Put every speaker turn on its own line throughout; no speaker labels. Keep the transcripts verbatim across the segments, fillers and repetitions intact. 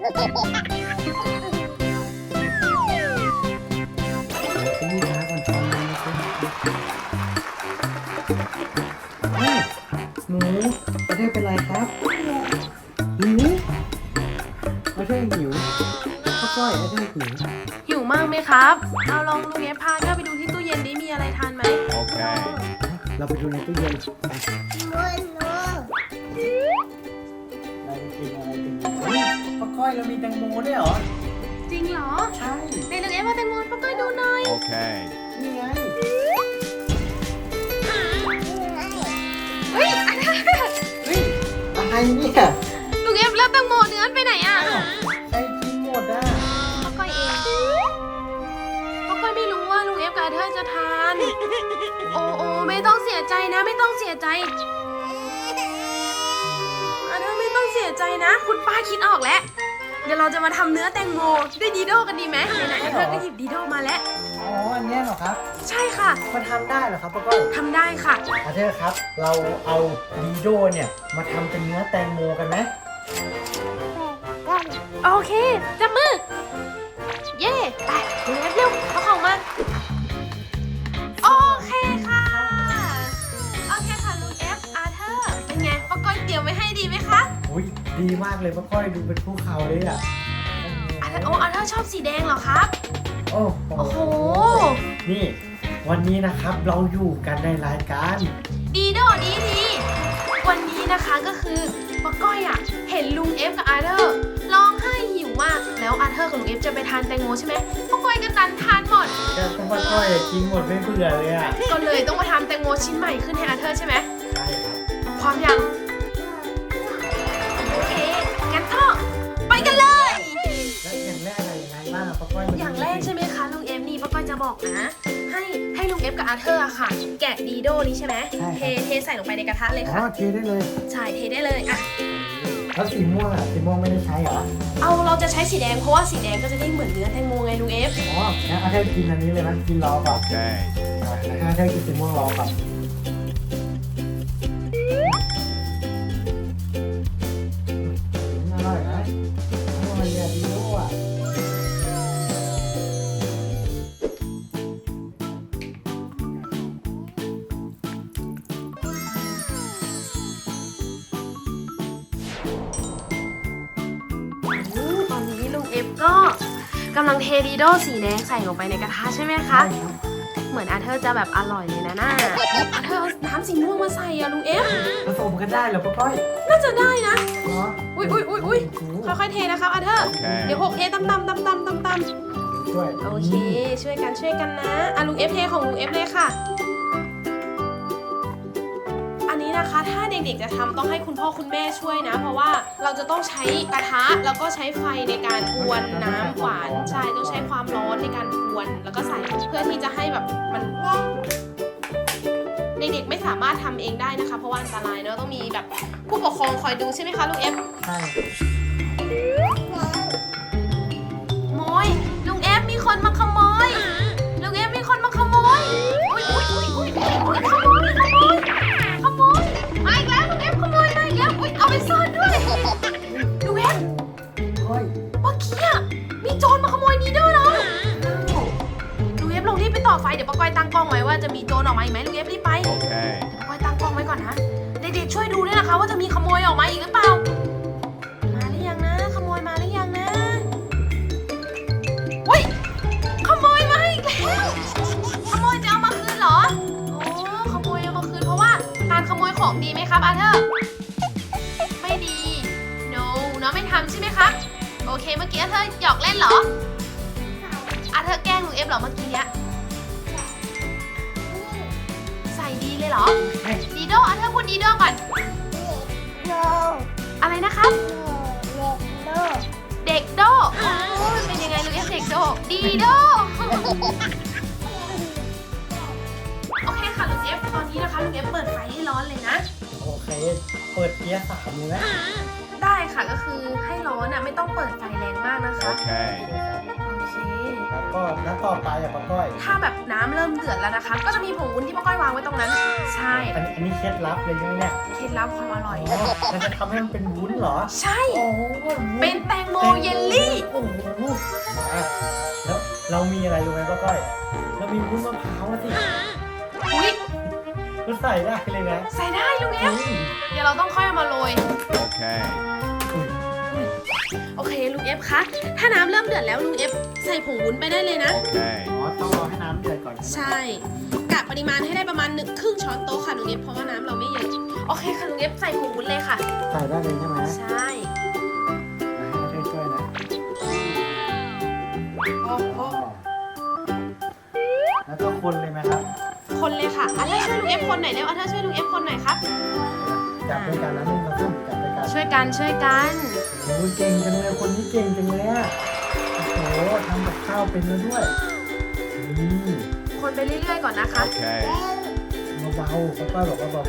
หนูประเทศเป็นไรครับหิวประเทศหิวข้าวก้อยประเทศหิว
หิวมากไหมครับเอาลองลุงเอฟพาเธอไปดูที่ตู้เย็นดิมีอะไรทานไหม
Okay.
เราไปดูในตู้เย็น
นูนู
เราจะกินอะไรกันดีเฮ้ยข้าวก้อยเรามีแตงโมด้วยเหรอ
จริงเหรอ
ใช่
ในลุงเอฟมาแตงโมป้าก้อยดูหน่อย
Okay.
นี่ไง
เฮ้ยอันนั้น
เฮ้ยอะไรเนี่ย
ลุงเอฟแล้วแตงโมเนื้อไปไหนอ่ะ
อ้าวใครกินหมดอ่ะ
ป้าก้อยเองป้าก้อยไม่รู้ว่าลุงเอฟกับอาเธอร์จะทาน โอ้โอ้ไม่ต้องเสียใจนะ ไม่ต้องเสียใจอาเธอร์ไม่ต้องเสียใจนะ คุณป้าคิดออกแล้ว เดี๋ยวเราจะมาทำเนื้อแตงโมด้วยดีโดกันดีไหมไหนๆอาเธอร์ก็หยิบดีโดมาแล้ว
อ๋ออันเนี้ยเหรอครับ
ใช่ค่ะ
มันทำได้เหรอครับป้าก้อย
ทำได้ค่ะ
อาเธอร์ครับ เราเอาดีโดเนี่ยมาทำเป็นเนื้อแตงโมกันไหม
กัน
โอเค จับมือ เย่ไปลุงเอฟเร็วเอาของมา โอเคค่ะ โอเคค่ะลุงเอฟอาเธอร์เป็นไงป้าก้อยเตรียมไว้ให้ดีไหมคะ
อุ้ยดีมากเลยป้าก้อยดูเป็นภูเขาเลยอ่ะ
อาเธอร์โอ้อาเธอร์ชอบสีแดงเหรอครับ
โอ้
โอ้โห
นี่ วันนี้นะครับเราอยู่กันในรายการ
ดีโดดีดีวันนี้นะคะก็คือป้าก้อยอ่ะเห็นลุงเอฟกับอาเธอร์ร้องไห้หิวมาก แล้วอาเธอร์กับลุงเอฟจะไปทานแตงโมใช่ไหมป้าก้อยก็ดันทานหมด
แต่ป้าก้อยกินหมดไม่เบื่อเลยอ่ะ
ก็เลยต้องมาทำแตงโมชิ้นใหม่ขึ้นให้อาเธอร์ใช่ไหม
ใช่ครับ
พร้อมยัง โอเค งั้นก็ไปกันเลย
แล้วอย่างแรกอะไรยังไงบ้างอะป้าก้อยม
อย่างแรกใช่ไหมคะลุงเอฟนี่ป้าก้อยจะบอกนะ ให้ให้ลุงเอฟกับอาเธอร์อะค่ะ แกะดีโดนี้ใช่ไหมเทเทใส่ลงไปในกระทะเลย
อ๋อ
ค่ะ
เทได้เลย
ใช่เทได้เลยอ่ะ
แล้วสีม่วงอ่ะสีม่วงไม่ได้ใช้เหรอ
เอาเราจะใช้สีแดงเพราะว่าสีแดงก็จะได้เหมือนเนื้อแตงโมไงลุงเอฟ
อ๋องั้นอาเธอร์กินอันนี้เลยไหมกินรอก่อน
Okay.
อาเธอร์กินสีม่วงรอก่อนอร่อยนะอร่อยอะดีโน่อะ
ตอนนี้ลุงเอฟก็กำลังเทดีโดสีแดงใส่ลงไปในกระทะใช่ไหมคะ เหมือนอาเธอร์จะแบบอร่อยเลยนะน่าอาเธอร์เอาน้ำสีม่วงมาใส่อะลุงเอฟ
ผสมกันได้เหรอป้าก้อย
น่าจะได้นะ
เนาะ
อุ้ยอุ้ยอุ้ยอุ้ยค่อยๆเทนะครับอาเธอร์ เดี๋ยวหกเทตำตำตำตำตำตำ
ช่วย
โอเค ช่วยกันช่วยกันนะอ่ะลุงเอฟเทของลุงเอฟเลยค่ะ อันนี้นะคะ ถ้าเด็กๆจะทำต้องให้คุณพ่อคุณแม่ช่วยนะ เพราะว่าเราจะต้องใช้กระทะแล้วก็ใช้ไฟในการกวนน้ำหวานใช่ต้องใช้ความร้อนในการกวน แล้วก็ใส่เพื่อที่จะให้แบบมันเด็กๆไม่สามารถทำเองได้นะคะ เพราะว่าอันตรายเนอะต้องมีแบบผู้ปกครองคอยดูใช่ไหมคะลุงเอฟ
ใช่
โมยลุงเอฟมีคนมาขโมยลุงเอฟมีคนมาขโมยอุ้ยอุ้ยอุ้ยอุ้ยอุ้ยขโมยขโมยขโมยมาอีกแล้วลุงเอฟขโมยมาอีกแล้วอุ้ยเอาไปซ่อนด้วยลุงเอฟ
ก้อย
เมื่อกี้อะมีโจรมาขโมยนีโด้เราลุงเอฟลงรีบไปต่อไฟเดี๋ยวป้าก้อยตั้งกล้องไว้ว่าจะมีโจรออกมาอีกไหมลุงเอฟรีบไป
Okay.
เดี๋ยวป้าก้อยตั้งกล้องไว้ก่อนนะเด็กๆช่วยดูด้วยนะคะว่าจะมีขโมยออกมาอีกหรือเปล่ามาหรือยังนะขโมยมาหรือยังนะอุ้ยขโมยมาอีกแล้วขโมยจะเอามาคืนเหรอโอ้ขโมยเอามาคืนเพราะว่าการขโมยของดีไหมครับอาเธอร์ไม่ดี no น้องไม่ทำใช่ไหมครับโอเคเมื่อกี้อาเธอร์หยอกเล่นเหรออาเธอร์แกล้งลุงเอฟเหรอเมื่อกี้เนี้ยใส่ดีเลยเหรอ ดีโดอาเธอร์พูดดีโดก่อน
โน
อะไรนะครับ
โนโน
เด็กโดโอ้ยเป็นยังไงลุงเอฟเด็กโด ดีโด โอเคค่ะลุงเอฟตอนนี้นะคะลุงเอฟเปิดไฟให้ร้อนเลยนะ
โอเค เปิดเกียร์สามเลยนะ
ได้ค่ะก็คือให้ร้อนอ่ะไม่ต้องเปิดไฟแรงมากนะคะ
Okay.
โอเคเค
แล้วก็น้ำต่อไปอ่ะป้าก้อย
ถ้าแบบน้ำเริ่มเดือดแล้วนะคะ ก็จะมีผงวุ้นที่ป้าก้อยวางไว้ตรงนั้น ใช่
อันนี้อันนี้เคล็ดลับเลยใช่ไหมเนี่ย
เคล็ดลับความอร่อย
อ๋อมันจะทำให้มันเป็นวุ้นเหรอ
ใช่
โอ้โหวุ้
เป็นแตงโมเยลลี่
โอ้โหมาแล้วเรามีอะไรรู้ไหมป้าก้อย เรามีวุ้นมะพร้าวอะสิ
อุ้ย
ก็ใส่ได้เลยนะ
ใส่ได้ลุงเอฟ
อืม
เดี๋ยวเราต้องค่อยเอามาโรย
Okay.
อุ้ย
โอเคลุงเอฟคะ ถ้าน้ำเริ่มเดือดแล้วลุงเอฟใส่ผงวุ้นไปได้เลยนะ
Okay.
อ๋อต้องรอให้น้ำเดือดก่อนใช่ไหม
ใช่กะปริมาณให้ได้ประมาณหนึ่งครึ่งช้อนโต๊ะค่ะลุงเอฟเพราะว่าน้ำเราไม่เยอะ โอเคค่ะลุงเอฟใส่ผงวุ้นเลยค่ะ
ใส่ได้เลยใช่ไหม
ใช่
ให้ช่วยช่วยๆนะ
โอ้โห
แล้วก็คนเลยไหมครับ
คนเลยค่ะอันเธอช่วยลุงเอฟคนหน่อยเร็วอันเธอช่วยลุงเอฟคนหน่อยครับ
จับด้วยกันนะนี่เราต้องจับด้วยกัน
ช่วยกันช่วยกัน
โอ้ยเก่งจังเลยคนนี้เก่งจังเลยอะโอ้โหทำกับข้าวเป็นแล้วด้วยนี่
คนไปเรื่อยๆก่อนนะคะ
Okay.
เบาๆป้าก้อยบอกว่าเบา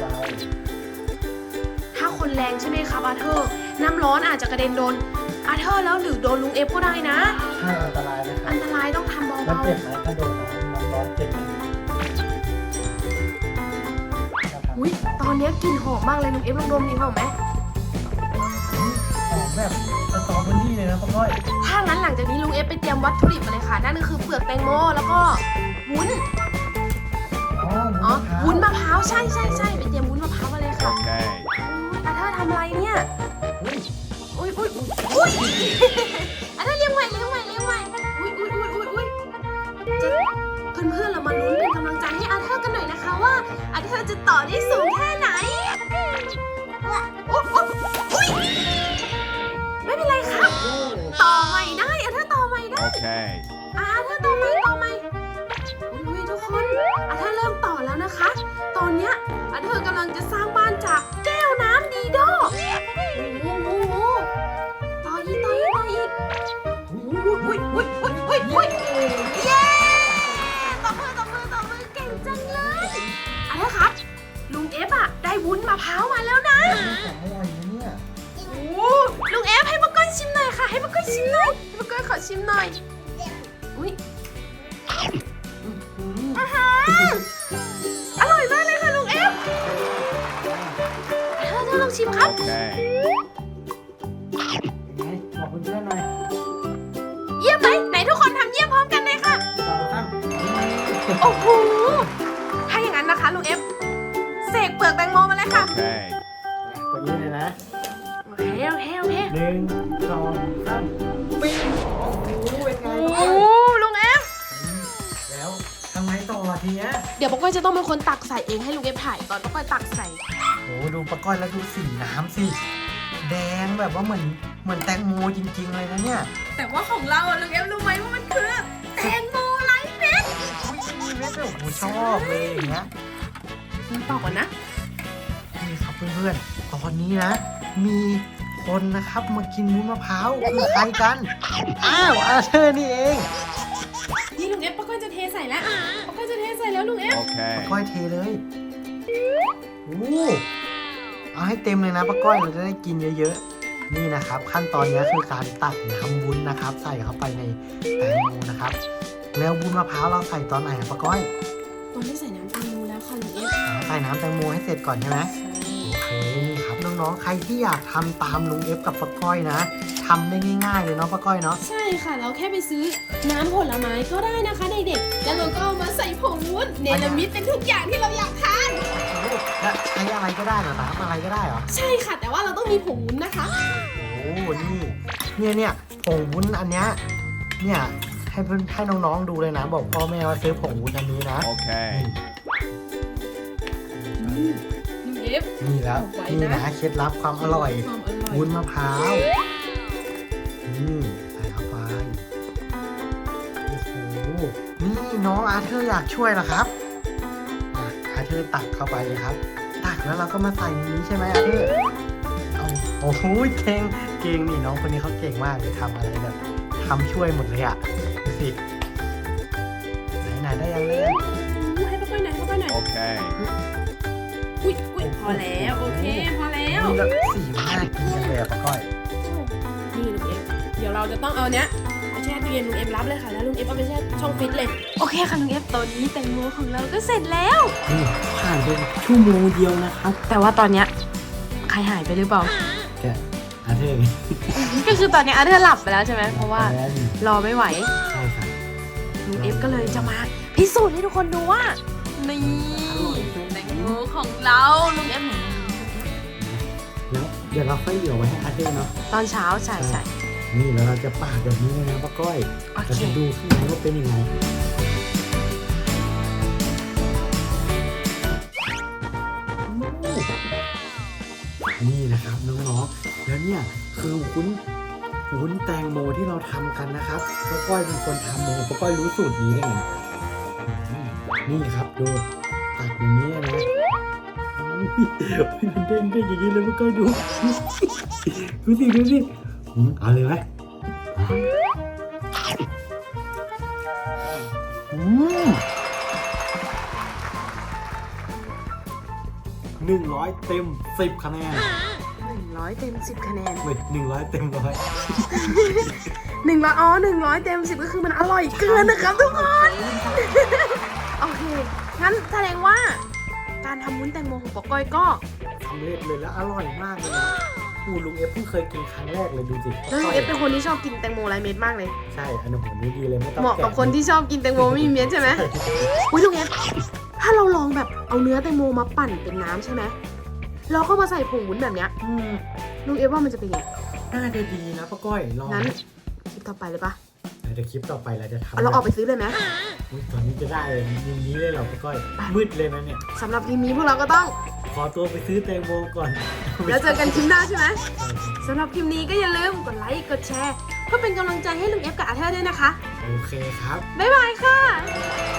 ถ้าคนแรงใช่ไหมครับอาเธอร์น้ำร้อนอาจจะกระเด็นโดนอาเธอร์แล้วหรือโดนลุงเอฟก็ได้นะ
ๆใช่อันตรายนะครั
อั
บ
นตรายต้องทำ
แล้ว
เบา
เจ็บไหมถ้าโดนน้ำร้อนเจ็บไหม
ๆอุ้ยตอนนี้กลิ่นหอมมากเลยลุงเอฟลองดมดีเปล่าไหม
หอมแบบสตรอเบอรี่เลยนะป้าก้อย
ถ้างั้นหลังจากนี้ลุงเอฟไปเตรียมวัตถุดิบมาเลยค่ะนั่นก็คือเปลือกแตงโมแล้วก็วุ้น
อ๋อ
อ๋อวุ้
วุ้
น
น
มะ
มะ
พ
พ
ร้า
ร้าว ว
ใช่ใช่ใช่ไปเตรียมวุ้นมะพร้าวมาเลยค่ะ
Okay.
อาเธอร์ทำอะไรเนี่ย
อุ้ย
อุ้ยอุ้ยอุ้ยอาเธอร์เลี้ยงใหม่เลี้ยงใหม่เลี้ยงใหม่อุ้ยอุ้ยอุ้ยอุ้ยอุ้ยจะเพื่อนๆเรามาลุ้นเป็นกำลังใจให้อาเธอร์กันหน่อยนะคะว่าอาเธอร์จะต่อได้สูงแค่ไหนโอ้โหอุ้ยไม่เป็นไรครับ ต่อใหม่ได้อาเธอร์ต่อใหม่ได้
Okay.
อาเธอร์ต่อใหม่ต่อใหม่อุ้ยทุกคนอาเธอร์เริ่มต่อแล้วนะคะ ตอนเนี้ยอาเธอร์กำลังจะสร้างบ้านจากแก้วน้ำดีโดโอ้โหโอ้โหต่ออีกต่ออีกต่ออีกอุ้ยอุ้ยอุ้ยอุ้ยอุ้ยอุ้ยเย้ตบมือตบมือตบมือเก่งจังเลยอาเธอร์ครับลุงเอฟอะได้วุ้นมะพร้าวมาแล้วนะ
ของอร่อยนะเนี่ย
โอ้ลุงเอฟให้ป้าก้อยชิมหน่อยค่ะให้ป้าก้อยชิมหน่อยให้ป้าก้อยขอชิมหน่อยอุ้ย
อืม
อร่อยมากเลยค่ะลุงเอฟเธอเธอลองชิมครับ
Okay.
เป็นไงบอกเพื่อนๆหน่อย
เยี่ยมไหมไหนทุกคนทำเยี่ยมพร้อมกันเลยค่ะ
สองสาม
โอ้โห ถ้าอย่างนั้นนะคะลุงเอฟเสกเปลือกแตงโมมาเลยค่ะ
Okay.
ตัวนี้เลยนะ
โอเคโอเคโอเค
หนึ่งสองสามปิ้งโอ้โหเป็นไง
โอ้
ป้าก้อย
ลุงเอฟ
แล้วทำไงต่อทีเนี้ย
เดี๋ยวป้าก้อยจะต้องเป็นคนตักใส่เองให้ลุงเอฟถ่ายตอนป้าก้อยตักใส่
โอ้โหดูป้าก้อยแล้วดูสีน้ำสิแดงแบบว่าเหมือนเหมือนแตงโมจริงๆเลยนะเนี่ย
แต่ว่าของเราอะลุงเอฟรู้ไหมว่ามันคือแตงโมไร้เม็ด
อุ้ยเม็ดแบบโอ้โหชอบเลยอย่างเงี้ย
ต่อก่อนนะ
นี่ครับเพื่อนๆ ตอนนี้นะ มีคนนะครับมากินวุ้นมะพร้าวคือใครกัน อ้าวอาเธอร์นี่เอง
นี่ลุงเอฟป้าก้อยจะเทใส่แล้วป้าก้อยจะเทใส่แล้วลุงเอฟ
Okay.
ก้อยเทเลยโอ้เอาให้เต็มเลยนะป้าก้อยเราจะได้กินเยอะๆ นี่นะครับ ขั้นตอนนี้คือการตักน้ำวุ้นนะครับ ใส่เข้าไปในแตงโมนะครับ แล้ววุ้นมะพร้าวเราใส่ตอนไหนอะป้าก้อย
ตอนที่ใส่น้ำแตงโมแล้วค่ะลุงเอฟ
อ๋อใส่น้ำแตงโมให้เสร็จก่อนใช่ไหม โอเคนี่ครับน้องๆ ใครที่อยากทำตามลุงเอฟกับป้าก้อยนะทำได้ง่ายๆเลยเนาะป้าก้อยเนาะ
ใช่ค่ะ เราแค่ไปซื้อน้ำผลไม้ก็ได้นะคะเด็กๆแล้วเราก็เอามาใส่ผงวุ้นเนลมิตเป็นทุกอย่างที่เราอยากทาน
แล้วใช้อะไรก็ได้เหรอน้ำอะไรก็ได้เหรอ
ใช่ค่ะ แต่ว่าเราต้องมีผงวุ้นนะคะ
โอ้นี่เนี่ยเนี่ยผงวุ้นอันเนี้ยเนี่ยให้เพื่อนให้น้องๆดูเลยนะ บอกพ่อแม่ว่าซื้อผงวุ้นอันนี้นะ
Okay.
ลุงเอฟ
นี่แล้ว
เอาไว้นะ
นี่นะเคล็ดลับความอร่อย
ความอร่อย
วุ้นมะพร้าวนี่ใส่เข้าไปโอ้โหนี่น้องอาเธอร์อยากช่วยเหรอครับอ่ะอาเธอร์ตักเข้าไปเลยครับ ตักแล้วเราก็มาใส่ในนี้ใช่ไหมอาเธอร์เอาโอ้โหเก่งเก่งนี่น้องคนนี้เขาเก่งมากเลยทำอะไรแบบทำช่วยหมดเลยอะดูสิไหนๆได้ยังเลยง
อู้ให้ป้าก้อยหน่อยให้ป้าก้อยหน่อย
Okay.
อุ้ยอุ้ยพอแล้วโอเคพอแล้ว
นี่แล้วสีมันน่ากินจังเลยอะป้าก้อย
นี่ลุงเอฟเดี๋ยวเราจะต้องเอาเนี้ยมาช่ตู้เย็นลุงเอฟรับเลยค่ะแล้วลุงเอฟเอาไปแช่ช่องฟิตเลยโอเคค่ะลุงเอฟตอนนี้แตงโมของเราก็เสร็จแล้ว
นี่ผ่านไปชั่วโมงเดียวนะครับ
แต่ว่าตอนเนี้ยใครหายไปหรือเปล่า
แกอาเธอร์ไง
ก็คือตอนนี้อาเธอร์หลับไปแล้วใช่ไหมเพราะว่า
แอน
รอไม่ไหว
ใช่ครับ
ลุงเอฟก็เลยจะมาพิสูจน์ให้ทุกคนดูว่านี่แตงโมของเราลุงเอฟ
แล้วเดี๋ยวเราค่อยเหลือไว้ให้อาเธอร์เนาะ
ตอนเช้าใช่ใช่
นี่แล้วเราจะปาดแบบนี้เลยนะป้าก้อย
โอ
เรา
เค
จะดูข้างในว่าเป็นยังไงนี่นะครับน้องๆแล้วเนี่ยคือวุ้นวุ้นแตงโมที่เราทำกันนะครับป้าก้อยเป็นคนทำเองป้าก้อยรู้สูตรนี้ได้ไงนี่ครับดูตัดอย่างนี้นะอุ๊ยมันเด้งเด้งอย่างนี้เลยป้าก้อยดูดูสิดูสิอืมเอาเลยไหมอืมหนึ่งร้อยเต็มสิบคะแนน
หนึ่งร้อยเต็มสิบคะแนน
เว้ยหนึ่งร้อยเต็มร้อย
หนึ่งร้อยอ๋อหนึ่งร้อยเต็มสิบก็คือมันอร่อยเกินนะครับทุกคน โอเค งั้นแสดงว่า การทำวุ้นแตงโมของปอก้อยก็
สำเร็จเลยแล้วอร่อยมากเลยนะอูลุงเอฟเพิ่งเคยกินครั้งแรกเลยดูสิ
แล้วลุงเอฟเป็นคนที่ชอบกินแตงโมไรเม็ดมากเลย
ใช่อันนี้ผมนี่ดีเลยไม่ต้อง
เหมาะกับ
แ
คนที่ชอบกินแตงโมไม่มีเม็ดใช่ไหม
ใช่
อุ้ยลุงเอฟถ้าเราลองแบบเอาเนื้อแตงโมมาปั่นเป็นน้ำใช่ไหมแล้วก็มาใส่ผงวุ้นแบบเนี้ย
อืม
ลุงเอฟว่ามันจะเป็นไง
น่าจะดีนะป้าก้อยลอง
งั้นคลิปต่อไปเลยปะ
เดี๋ยวคลิปต่อไปเราจะทำ
เอาเราออกไปซื้อเลยไหม
อุ๊ยตอนนี้จะได้เลยอย่างนี้เลยเหรอป้าก้อยมืดเลยนะเนี่ย
สำหรับคลิปนี้พวกเราก็ต้อง
ขอตัวไปซื้อแตงโมก่อน
แล้วเจอกันคลิปหน้าใช่ไหมสำหรับคลิปนี้ก็อย่าลืมกดไลค์กดแชร์เพื่อเป็นกำลังใจให้ลุงเอฟกับอาเธอร์ด้วยนะคะ
โอเคครับ
บ๊ายบายค่ะ